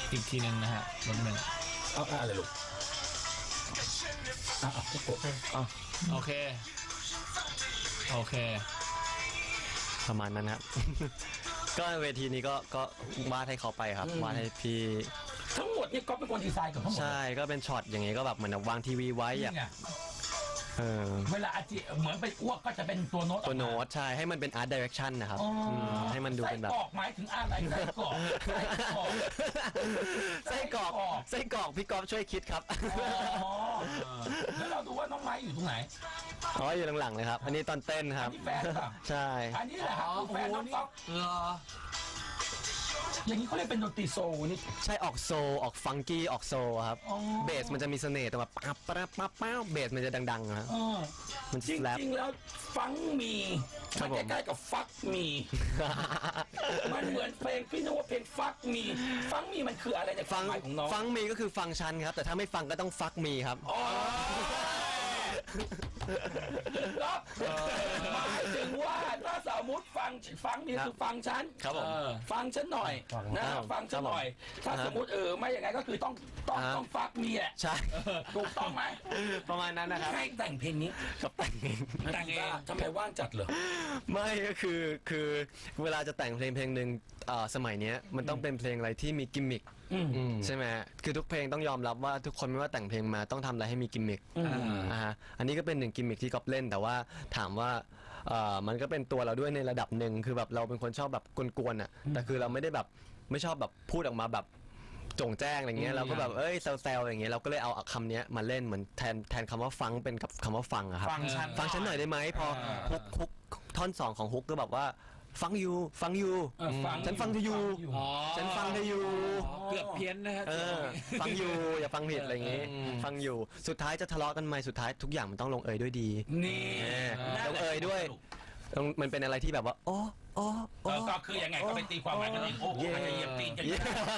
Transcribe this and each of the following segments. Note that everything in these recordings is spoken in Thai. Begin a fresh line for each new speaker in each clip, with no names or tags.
อีกทีนึงนะฮะรถหนึ่ง
เอาอะไรลูก
โอเคโอเค
ประมาณนั้นครับ ก็เวทีนี้ก็วาดให้เขาไปครับวาดให้พี่
ทั้งหมดนี่ก็เป็นคนดีไซน์กับทั้งหมด
ใช่ก็เป็นช็อตอย่างงี้ก็แบบเหมือนวางทีวีไว้อะ
เวลาอาจิเหมือนไปอ้วกก็จะเป็นตัวโน้ต
ใช่ให้มันเป็น art direction นะครับให้มันดูเป็นแบบ
ไส้กรอกหมายถึงอะไรไส้กรอก
ไส้กรอกพี่ก๊อฟช่วยคิดครับ
แล้วเราดูว่าน้องไม้อยู่ตรงไหน
อยู่หลังๆเลยครับอันนี้ตอนเต้นครับ
แฟนป่ะ
ใช่
อันนี้แหละครับแฟนน้องก๊อฟอย่างนี้เขาเรียกเป็นดนตรีโซลนี่
ใช่ออกโซออกฟังกี้ออกโซครับเบสมันจะมีเสน่ห์แต่แบบปั๊บเบสมันจะดังๆนะมัน
จริงๆแล้วฟังมีมันใกล้ๆกับฟักมีมันเหมือนเพลงพี่นึกว่าเพลงฟักมีมันคืออะไรในความหมายของน้อง
ฟังมีก็คือฟังชันครับแต่ถ้าไม่ฟังก็ต้องฟักมีครับ
หมายถึงว่าถ้าสมมติฟังนี่คือฟังฉันฟังฉันหน่อยนะฟังฉันหน่อยถ้าสมมติไม่อย่างไรก็คือต้องฟักมีแหละ
ใช่
ถูกต้องไหม
ประมาณนั้นนะครับ
ให้แต่งเพลงนี้
กับแต่งเอง
ทำไมว่างจัดเหรอ
ไม่ก็คือเวลาจะแต่งเพลงหนึ่งสมัยนี้มันต้องเป็นเพลงอะไรที่มีกิมมิคใช่ไหมคือทุกเพลงต้องยอมรับว่าทุกคนไม่ว่าแต่งเพลงมาต้องทำอะไรให้มีกิมมิคอันนี้ก็เป็นหนึ่งกิมมิคที่ก๊อฟเล่นแต่ว่าถามว่ามันก็เป็นตัวเราด้วยในระดับหนึ่งคือแบบเราเป็นคนชอบแบบกวนๆอ่ะแต่คือเราไม่ได้แบบไม่ชอบแบบพูดออกมาแบบจงแจ้งอะไรเงี้ยเราก็แบบแซวๆอย่างเงี้ยเราก็เลยเอาคำนี้มาเล่นเหมือนแทนคำว่าฟังเป็นกับคำว่าฟังอะครับฟังฉันหน่อยได้ไหมพอฮุกท่อน2ของฮุกก็แบบว่าฟังอยู่ฉันฟังเธออยู่ฉันฟังเธออยู่
เกือบเพี้ยนนะฮะ
ฟังอยู่อย่าฟังผิดอะไรอย่างงี้ฟังอยู่สุดท้ายจะทะเลาะกันไหมสุดท้ายทุกอย่างมันต้องลงเอยด้วยดี
นี่
ลงเอยด้วยมันเป็นอะไรที่แบบว่า
ก็คือยังไงก็ไปตีความหมายกันเองอาจจะเหยียบตีนกัน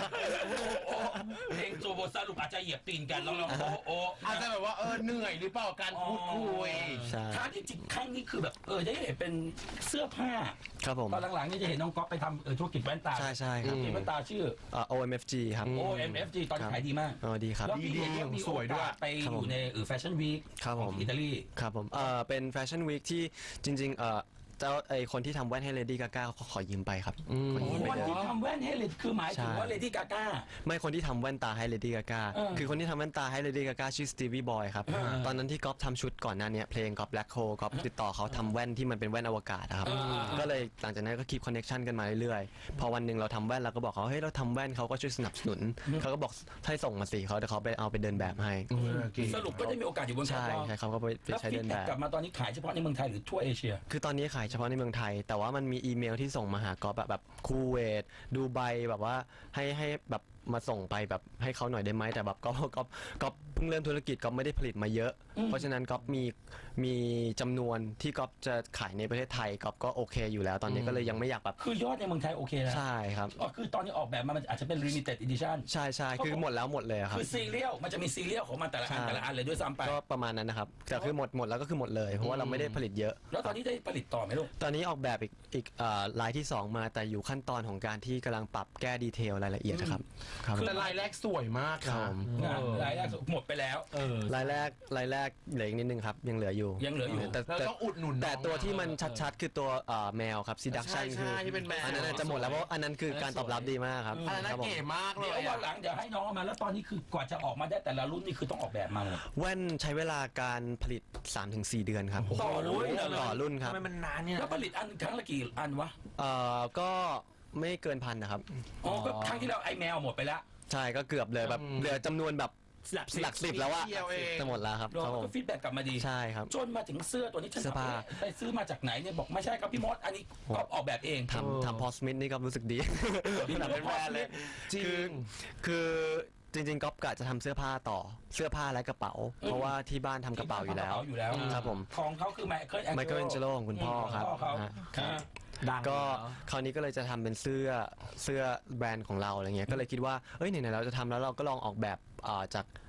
เพลงโซโบสรุปอาจจะเหยียบตีนกันแล้วเรา
อาจจะแบบว่าเหนื่อยหรือเปล่าการพูดคุย
ถ้าที่จริงครั้งนี้คือแบบได้เห็นเป็นเสื้อผ้า
ครับผม
ตอนหลังๆนี่จะเห็นน้องก๊อฟไปทำธุรกิจแว่นตา
ใช่ครับธุร
กิจแว่นตาชื่อ
OMFG ครับ
OMFG ตอนนี้ขายดีมาก
ดีครับ
แล้วพี่เห็นว่ามีโอกาสไปอยู่ในแฟชั่นวีคของอิตาลี
ครับผมเป็นแฟชั่นวีคที่จริงๆคนที่ทำแว่นให้เลดี้กาก้าขอยืมไปครับ
คนที่ทำแว่นให้เลดี้คือหมายถึงว่าเลดี้กาก้า
ไม่คนที่ทำแว่นตาให้เลดี้กาก้าคือคนที่ทำแว่นตาให้เลดี้กาก้าชื่อสตีวีบอยครับตอนนั้นที่ก๊อฟทำชุดก่อนหน้านี้เพลงก๊อฟแบล็คโฮก๊อฟติดต่อเขาทำแว่นที่มันเป็นแว่นอวกาศครับก็เลยหลังจากนั้นก็คีปคอนเนคชั่นกันมาเรื่อยๆพอวันหนึ่งเราทำแว่นเราก็บอกเขาเฮ้ยเราทำแว่นเขาก็ช่วยสนับสนุนเขาก็บอกให้ส่งมาสิเขาเดี๋ยวเขาไปเอาไปเดินแบบให้
สรุปก็ได้มีโอกาสอยู่บน
ใช่เขาก็ไปใช้เดินแบบ
กลับมาตอนนี้ขายเฉพาะในเมืองไทยหรือทั่วเอเชีย
คือตอนนี้ขายเฉพาะในเมืองไทยแต่ว่ามันมีอีเมลที่ส่งมาหาก๊อฟแบบคูเวตดูไบแบบว่าให้แบบมาส่งไปแบบให้เขาหน่อยได้ไหมแต่แบบก็เพิ่งเริ่มธุรกิจก็ไม่ได้ผลิตมาเยอะเพราะฉะนั้นก็มีจำนวนที่ก็จะขายในประเทศไทยก็โอเคอยู่แล้วตอนนี้ก็เลยยังไม่อยากแบบ
คือยอดในเมืองไทยโอเคแล้ว
ใช่ครับ
คือตอนนี้ออกแบบมันอาจจะเป็น limited edition
ใช่คือหมดเลยครับ
คือซีเรียลมันจะมีซีเรียลของมันแต่ละอันเลยด้วยซ้ำไป
ก็ประมาณนั้นนะครับแต่คือหมดแล้วก็คือหมดเลยเพราะว่าเราไม่ได้ผลิตเยอะ
แล้วตอนนี้ได้ผลิตต่อไหมลูก
ตอนนี้ออกแบบอีกลายที่2มาแต่อยู่ขั้นตอนของการที่กำลังปรับแก้ดีเทลรายละเอียดนะครับ
แต่ลายแรกสวยมาก
ครับ
รายแรกหมดไปแล้ว
รายแรกเหลืออีกนิดนึงครับยังเหลืออยู่
แต่ต้องอุดหนุน
แต่ตัวที่มันชัดๆคือตัวแมวครับซีดักชันคืออันนั้นจะหมดแล้วเพราะอันนั้นคือการตอบรับดีมากครับ
อันนั้นเก๋มากเลย
เดี๋ยววันหลังเดี๋ยวให้น้องมาแล้วตอนนี้คือกว่าจะออกมาได้แต่ละรุ่นนี่คือต้องออกแบบมาหมด
แว่นใช้เวลาการผลิต 3-4 เดือนครับ
ต่อ
รุ่นครับ
ทำไมมันนานเนี่ย
แล้วผลิตอันครั้งละกี่อันวะ
ก็ไม่เกิน1,000นะครับ
ก็ครั้งที่เราไอแมวหมดไปแล้ว
ใช่ก็เกือบเลยแบบเหลือจำนวนแบบหลักสิบแล้วว่าจะหมดแล้วครับ
เราก็ฟีดแบ็กกลับมาดี
ใช่ครับ
จนมาถึงเสื้อตัวนี้ฉันไปซื้อมาจากไหนเนี่ยบอกไม่ใช่ครับพี่มดอันนี้ก็ออกแบบเอง
ทำพอสมิธนี่ก็รู้สึกดี
พี่เป็นแฟนเลย
คือจริงๆก๊อฟกะจะทำเสื้อผ้าต่อเสื้อผ้าและกระเป๋าเพราะว่าที่บ้านทำกระเป๋าอยู่แล้วครับผม
ของเขาคือไมเคิล
แองเจโลของคุณพ่อครับก็คราวนี้ก็เลยจะทำเป็นเสื้อแบรนด์ของเราอะไรเงี้ยก็เลยคิดว่าไหนๆเราจะทำแล้วเราก็ลองออกแบบจาก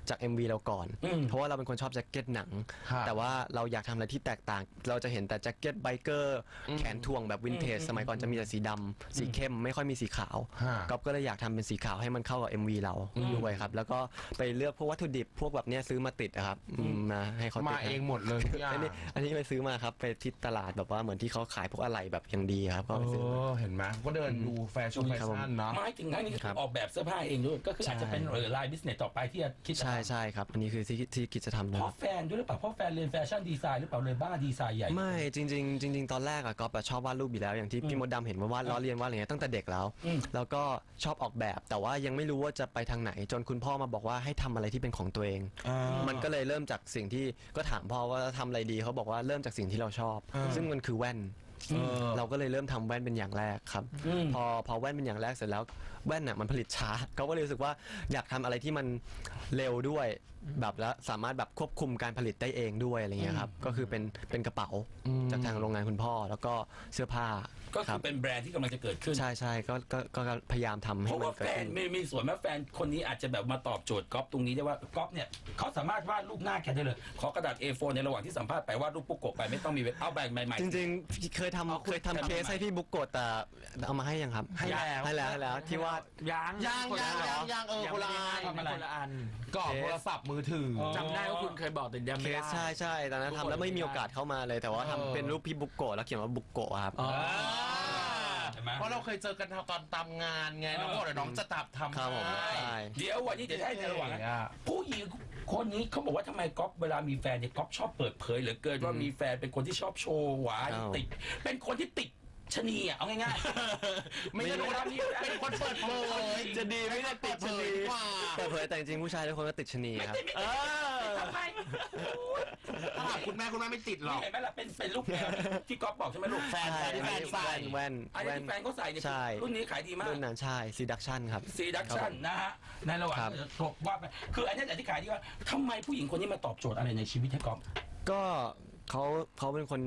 จาก MV เราก่อนเพราะว่าเราเป็นคนชอบแจ็คเก็ตหนังแต่ว่าเราอยากทำอะไรที่แตกต่างเราจะเห็นแต่แจ็คเก็ตไบเกอร์แขนทวงแบบวินเทจสมัยก่อนจะมีแต่สีดำสีเข้มไม่ค่อยมีสีขาวก๊อฟก็เลยอยากทำเป็นสีขาวให้มันเข้ากับ MV เราด้วยครับแล้วก็ไปเลือกพวกวัตถุดิบพวกแบบเนี้ยซื้อมาติดนะครับมาให้เขาติด
มาเองหมดเลย
อันนี้ไปซื้อมาครับไปที่ตลาดแบบว่าเหมือนที่เขาขายพวกอะไหล่แบบอย่างดีครับก็ไปซื้อ
เห็นไหมก็เดินดูแฟชั่นเนาะ
ไม่ถึงขั้นนี้ออกแบบเสื้อผ้าเองด้วยก็คืออาจจะเป็นไลน์บิสเนสต่อไปที่จะคิด
ใช่ครับอันนี้คือที่คิดจะทำ
เพราะแฟนด้วยหรือเปล่าเพราะแฟนเรียนแฟชั่นดีไซน์หรือเปล่าเลยบ้าดีไซน์ใหญ่
ไม่จริงตอนแรกอะก็ชอบวาดรูปอยู่แล้วอย่างที่พี่มดดำเห็นว่าวาดล้อเลียนวาดอะไรเงี้ยตั้งแต่เด็กแล้วก็ชอบออกแบบแต่ว่ายังไม่รู้ว่าจะไปทางไหนจนคุณพ่อมาบอกว่าให้ทำอะไรที่เป็นของตัวเองมันก็เลยเริ่มจากสิ่งที่ก็ถามพ่อว่าทำอะไรดีเขาบอกว่าเริ่มจากสิ่งที่เราชอบซึ่งมันคือแว่นเราก็เลยเริ่มทำแว่นเป็นอย่างแรกครับพอแว่นเป็นอย่างแรกเสร็จแล้วแว่นน่ะมันผลิตช้าเขาก็เลยรู้สึกว่าอยากทำอะไรที่มันเร็วด้วยแบบแล้วสามารถแบบควบคุมการผลิตได้เองด้วยอะไรเงี้ยครับก็คือเป็นกระเป๋าจากทางโรงงานคุณพ่อแล้วก็เสื้อผ้า
ก็คือเป็นแบรนด์ที่กำลังจะเกิดขึ้น
ใช่ก็พยายามทำให้มันเกิดขึ้น
เพราะว่าแฟนมีส่วนแม่แฟนคนนี้อาจจะแบบมาตอบโจทย์ก๊อฟตรงนี้ได้ว่าก๊อฟเนี่ยเขาสามารถวาดรูปหน้าแกได้เลยขอกระดาษ A4 ในระหว่างที่สัมภาษณ์ไปวาดรูปปุ๊กโกะไปไม่ต้องมีเอาแบ่งใหม่
ๆจริงๆเคยทำเคสให้พี่บุ๊กโกะแต่เอามาให้ยังครับให้แล้วที่ว่า
ยังคนละอันก่อโทรศัพท์มือถือ
จำได้ว่าคุณเคยบอกแต่ยังไม่ได้
ใช่ตอนนั้นทำแล้วไม่มีโอกาสเข้ามาเลยแต่ว่าทำเป็นรูปพี่บุ๊กโกะแล้วเขียนว่าบุ๊กโกะครับ
เพราะเราเคยเจอกันตอนตามงานไงน้องบอกเลยน้องจะทำ
ครับผม
เดี๋ยววันนี้จะได้ในระหว่างผู้หญิงคนนี้เขาบอกว่าทำไมก๊อฟเวลามีแฟนเนี่ยก๊อฟชอบเปิดเผยเหลือเกินว่ามีแฟนเป็นคนที่ชอบโชว์หวานติดเป็นคนที่ติดชนีอ่ะเอาง่ายๆ
ไม่ใช่คนที่เป็นคนเปิดเผย
จะดีไม่ได้ติดชนีเปิดเผยแต่จริงๆผู้ชายทุกคนก็ติดชนีครับ
ทำไม
คุณแม่ไม่ติดหรอก
เห็นไหมล่ะเป็นลูกแฟนที่ก๊อฟบอกใช่ไหมลูกแฟนที่แฟนใส่
แว่น
อันนี้แฟนเขาใส่เนี่ยรุ่นนี้ขายดีมาก
รุ่นนั้นใช่ซีดักชั่นครับ
ซีดักชั่นนะฮะในระหว่างว่าไปคืออันนี้แต่ที่ขายดีว่าทำไมผู้หญิงคนนี้มาตอบโจทย์อะไรในชีวิตให้ก๊อฟ
ก็เขาเป็นคน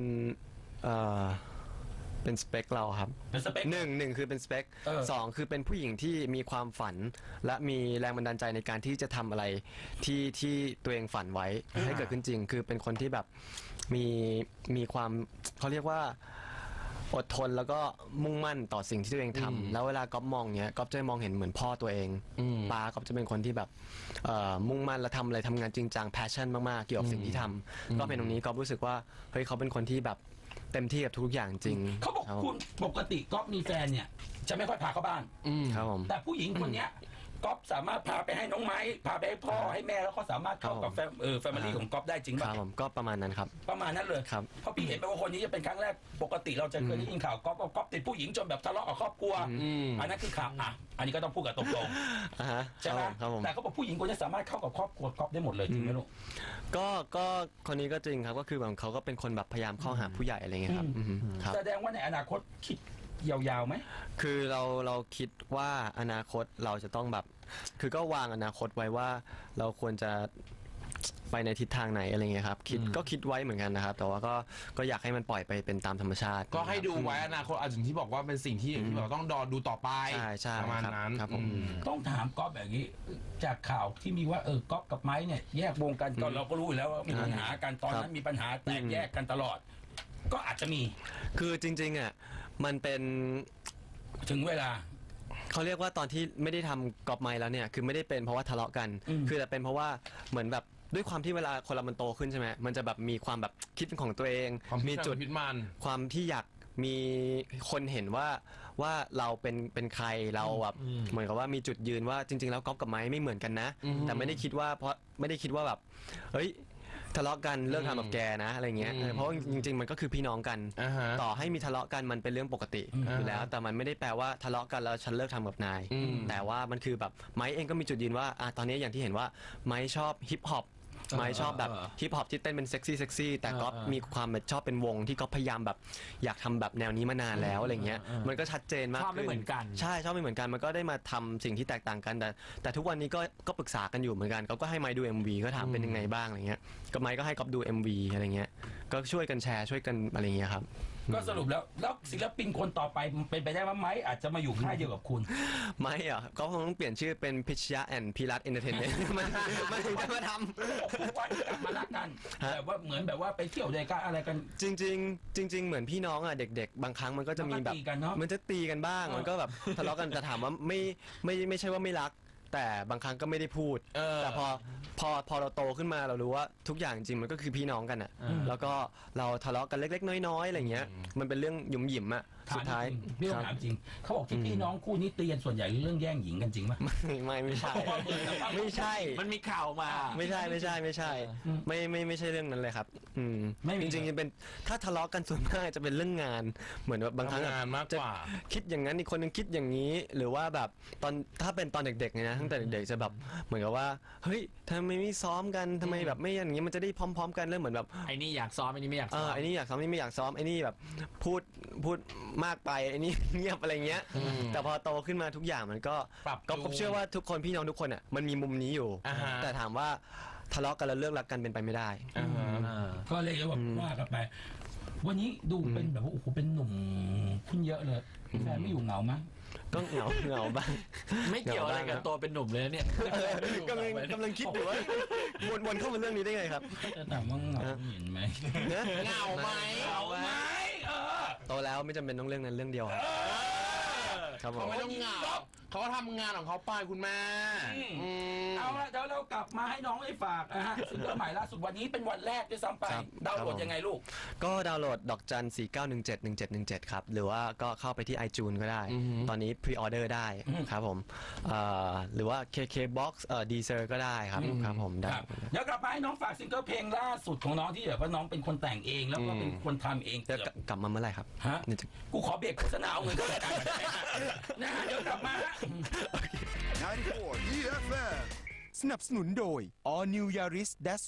เป็นสเปคเราครับหนึ่งคือเป็นสเปคสองคือเป็นผู้หญิงที่มีความฝันและมีแรงบันดาลใจในการที่จะทำอะไรที่ตัวเองฝันไว้ให้เกิดขึ้นจริงคือเป็นคนที่แบบมีความเขาเรียกว่าอดทนแล้วก็มุ่งมั่นต่อสิ่งที่ตัวเองทำแล้วเวลาก๊อฟมองเนี้ยก๊อฟจะมองเห็นเหมือนพ่อตัวเองป้าก๊อฟจะเป็นคนที่แบบมุ่งมั่นและทำอะไรทำงานจริงจังแพชชั่นมากๆเกี่ยวกับสิ่งที่ทำก็เป็นตรงนี้ก๊อฟรู้สึกว่าเฮ้ยเขาเป็นคนที่แบบเต็มที่กับทุกอย่างจริง
เขาบอกคุณปกติก๊อฟมีแฟนเนี่ยจะไม่ค่อยพาเข้าบ้าน
ครับผม
แต่ผู้หญิงคนเนี้ยก๊อฟสามารถพาไปให้น้องไม้พาไปให้พ่อให้แม่แล้วก็สามารถเข้ากับแฟมิลี่ของก๊อฟได้จริงป่ะ
ครับผมก็ประมาณนั้นครับ
ประมาณนั้นเลย
ครับ
เพราะพี่เห็นไปว่าคนนี้จะเป็นครั้งแรกปกติเราจะเคยได้ยินข่าวก๊อฟติดผู้หญิงจนแบบทะเลาะกับครอบครัวอันนั้นคือข่าวอันนี้ก็ต้องพูดกับตรงๆใช่ไหมแต่เขาบอกผู้หญิงคนนี้สามารถเข้ากับครอบครัวก๊อฟได้หมดเลยจริงไหมลูก
ก็คนนี้ก็จริงครับก็คือแบบเขาก็เป็นคนแบบพยายามเข้าหาผู้ใหญ่อะไรเงี้ยครับ
แสดงว่าในอนาคตคิดยาวๆไหม
คือเราคิดว่าอนาคตเราจะต้องแบบคือก็วางอนาคตไว้ว่าเราควรจะไปในทิศทางไหนอะไรเงี้ยครับคิดไว้เหมือนกันนะครับแต่ว่าก็อยากให้มันปล่อยไปเป็นตามธรรมชาติ
ก็ให้ดูไว้อนาคตอาจจะที่บอกว่าเป็นสิ่งที่เราต้องดูต่อไป
ใช่
ประมาณนั้น
ครับผม
ต้องถามก๊อฟแบบนี้จากข่าวที่มีว่าก๊อฟกับไม้เนี่ยแยกวงกันก่อนเราก็รู้อยู่แล้วว่ามีปัญหากันตอนนั้นมีปัญหาแตกแยกกันตลอดก็อาจจะมี
คือจริงๆอ่ะมันเป็น
ถึงเวลา
เขาเรียกว่าตอนที่ไม่ได้ทำกอบไม้แล้วเนี่ยคือไม่ได้เป็นเพราะว่าทะเลาะกันคือแต่เป็นเพราะว่าเหมือนแบบด้วยความที่เวลาคนเรามันโตขึ้นใช่ไหมมันจะแบบมีความแบบคิดเป็นของตัวเองมีจุดความที่อยากมีคนเห็นว่าเราเป็นใครเราแบบเหมือนกับว่ามีจุดยืนว่าจริงๆแล้วก๊อฟกับไม้ไม่เหมือนกันนะแต่ไม่ได้คิดว่าแบบเฮ้ยทะเลาะกันเลิกทำกับแกนะอะไรเงี้ยเพราะจริงๆมันก็คือพี่น้องกันต่อให้มีทะเลาะกันมันเป็นเรื่องปกติอยู่แล้วแต่มันไม่ได้แปลว่าทะเลาะกันแล้วฉันเลิกทำกับนายแต่ว่ามันคือแบบไม้เองก็มีจุดยืนว่าตอนนี้อย่างที่เห็นว่าไม้ชอบฮิปฮอปไม้ชอบแบบฮิปฮอปที่เต้นเป็นเซ็กซี่แต่ก็มีความแบบชอบเป็นวงที่ก็พยายามแบบอยากทำแบบแนวนี้มานานแล้วอะไรเงี้ยมันก็ชัดเจนมาก
ชอบไม่เหมือนกัน
ใช่ชอบไม่เหมือนกันมันก็ได้มาทำสิ่งที่แตกต่างกันแต่ทุกวันนี้ก็ปรึกษากันอยู่เหมือนกันก็ให้ไม้ดู MV ก็ถามเป็นยังไงบ้างอะไรเงี้ยก็ไม้ก็ให้ก๊อฟดู MV อะไรเงี้ยก็ช่วยกันแชร์ช่วยกันอะไรเงี้ยครับ
ก็สรุปแล้วศิลปินคนต่อไปเป็นไปได้ไหมอาจจะมาอยู่ค่ายเดียวกับคุณ
ไม่อ่ะก็คงต้องเปลี่ยนชื่อเป็นพิชยะแอนด์พีรัตเอนเตอร์เทนเมนต์มันถึงจะมาทำ
ว่ากลับมารักกันแบบว่าเหมือนแบบว่าไปเที่ยวด้วยกันอะไรกัน
จริงเหมือนพี่น้องอ่ะเด็กๆบางครั้งมันก็จะมีแบบมันจะตีกันบ้างมันก็แบบทะเลาะกันแต่ถามว่าไม่ใช่ว่าไม่รักแต่บางครั้งก็ไม่ได้พูดแต่พอเราโตขึ้นมาเรารู้ว่าทุกอย่างจริงมันก็คือพี่น้องกันอ่ะแล้วก็เราทะเลาะกันเล็กๆน้อยๆอะไรเงี้ยมันเป็นเรื่องหยุมหยิมอ่ะสุดท้าย
พี่ต้องถามจริงเขาบอกที่พี่น้องคู่นี้ตีกันส่วนใหญ่เรื่องแย่งหญิงกันจริงไหม
ไม่ใช่ไม่ใช่
มันมีข่าวมา
ไม่ใช่ไม่ใช่เรื่องนั้นเลยครับจริงๆเป็นถ้าทะเลาะกันส่วนมากจะเป็นเรื่องงานเหมือนบางครั้งจะคิดอย่างนั้นอีกคนนึงคิดอย่างนี้หรือว่าแบบถ้าเป็นตอนเด็กๆเนี่ยนะตั้งแต่เด็กๆจะแบบเหมือนกับว่าเฮ้ยทำไมไม่ซ้อมกันทำไมแบบไม่อย่างนี้มันจะได้พร้อมๆกันเรื่องเหมือนแบบ
ไอ้นี่อยากซ้อมไอ้นี่ไม่อยากซ้อม
ไอ้นี่อยากซ้อมไอ้นี่ไม่อยากซ้อมไอ้นี่แบบพูดมากไปไอ้นี่เงียบอะไรเงี้ยแต่พอโตขึ้นมาทุกอย่างมันก็ผมเชื่อว่าทุกคนพี่น้องทุกคนอ่ะมันมีมุมนี้อยู่แต่ถามว่าทะเลาะกันแล้วเลิกรักกันเป็นไปไม่ได้
ก็เลยว่าว่ากันไปวันนี้ดูเป็นแบบว่าโอ้โหเป็นหนุ่มขึ้นเยอะเลยแฟนไม่อยู่เหงามั้ย
ก็เหงาบ้าง
ไม่เกี่ยวอะไรกับตัวเป็นหนุ่มเลยเนี่ย
กำลังคิดอยู่ว่าวนเข้ามาเรื่องนี้ได้ไงครับ
จะถามว่าเหงาเห็นไหม
เหงาไหม
โตแล้วไม่จำเป็นต้องเรื่องนั้นเรื่องเดียวครับ
เขาไม่ต้องเหงาเขาก็ทำงานของเขาไปคุณแม่
เอาละเดี๋ยวเรากลับมาให้น้องได้ฝากนะฮะซิงเกิลใหม่ล่าสุดวันนี้เป็นวันแรกด้วยซ้ำไปดาวน์โหลดยังไงลูก
ก็ดาวน์โหลดดอกจัน 49171717ครับหรือว่าก็เข้าไปที่ iTunes ก็ได้ตอนนี้พรีออเดอร์ได้ครับผมหรือว่า KKBox Deezer ก็ได้ครับผมได้
เดี๋ยวกลับมาให้น้องฝากซิงเกิลเพลงล่าสุดของน้องที่แบบว่าน้องเป็นคนแต่งเองแล้วก็เป็นคนทำเอง
กลับมาเมื่อไหร่ครับ
ฮะกูขอเบรกโฆษณาเอาเงินก็ได้นะเดี๋ยวกลับมา
94 EFM สนับสนุนโดย All New Yaris